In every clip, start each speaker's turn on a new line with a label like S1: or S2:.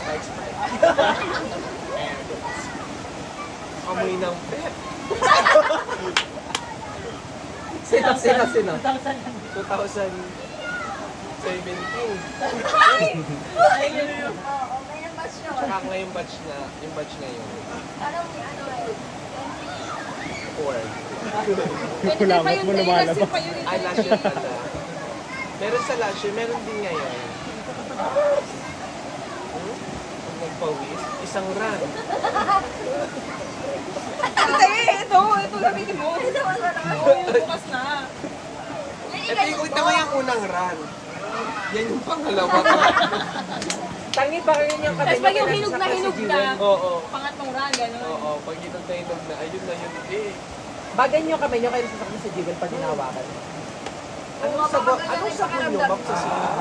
S1: Sprite. Amoy ng pet.
S2: Sino?
S1: 2017.
S3: Ay, oo, may nabas yun.
S1: Tsaka ngayong batch na, yung batch na yun.
S3: Anong ano eh?
S1: 4.
S4: Kulangot mo lumalabas.
S1: Ay, last year pala. Meron sa last year, meron din ngayon. Pag nagpawis, isang run.
S5: Ito gamitin mo.
S3: Ito, wala naman.
S5: Oo, yung bukas na.
S1: Ito yung ito yung unang run. Yan yung pangalawa.
S2: Tangi pa rin yung
S5: Tapos pag yung hinog na,
S1: Oo.
S5: pangatlong run, gano'n.
S1: Oo, pag hinog na, ayun na yun. Eh,
S2: Bagay niyo kamay niyo kayo sasakyan sa Jewel pag hinawakan.
S1: anong sabon nyo, ma'am, sa sila?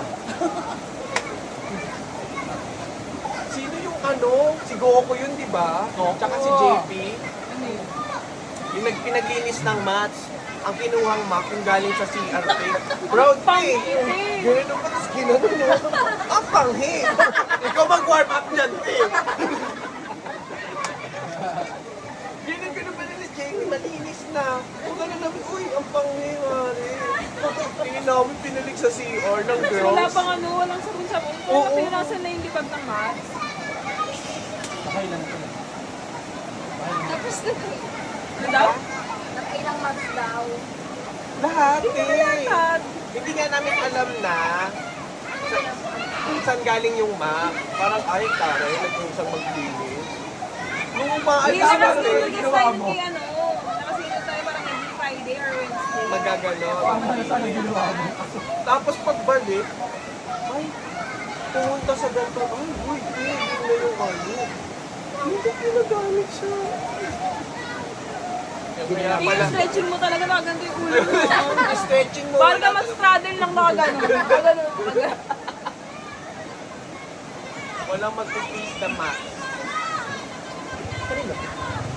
S1: Sino yung ano? Si Goku yun, di ba? Tsaka si JP.
S5: Ano yun?
S1: Yung nagpinaglinis ng mats. Ang kinuhang map yung galing sa CRT. Proud pay! Ganun pa, tapos ginanon mo. Ang panghi! Ikaw mag-warm up dyan, Pay! Ganun pa nila, Jamie, malinis na. Kung gano'n namin, uy, ang panghi, mare. Tingin namin pinalik sa CR ng
S5: Kasi
S1: girls.
S5: wala pang ano, walang sabon-sabon.
S1: Oo.
S5: Pero nasan na yung lipag ng mats?
S3: Tapos
S5: Ano daw?
S3: nakailang months daw.
S1: Lahat,
S5: Hindi
S1: eh.
S5: lahat.
S1: Hindi nga namin alam na kung saan galing yung map. Parang, ay, taray, nag-usang maglinis. Nung
S5: Hindi
S1: umaalis
S5: na
S1: kami,
S5: nakasunod tayo kay ano. Nakasunod tayo parang every Friday or Wednesday.
S1: magagano. Tapos pagbalik, ay, pumunta sa ganito, ay, uy, yun na yung ano. Hindi ginagamit siya. Kaya pala,
S5: I-stretching mo talaga na ganito yung ulo mo.
S1: stretching mo.
S5: Parang ka mag-straddle lang na gano'n. Gano'n.
S1: Walang mag-please the max.
S2: Kanino?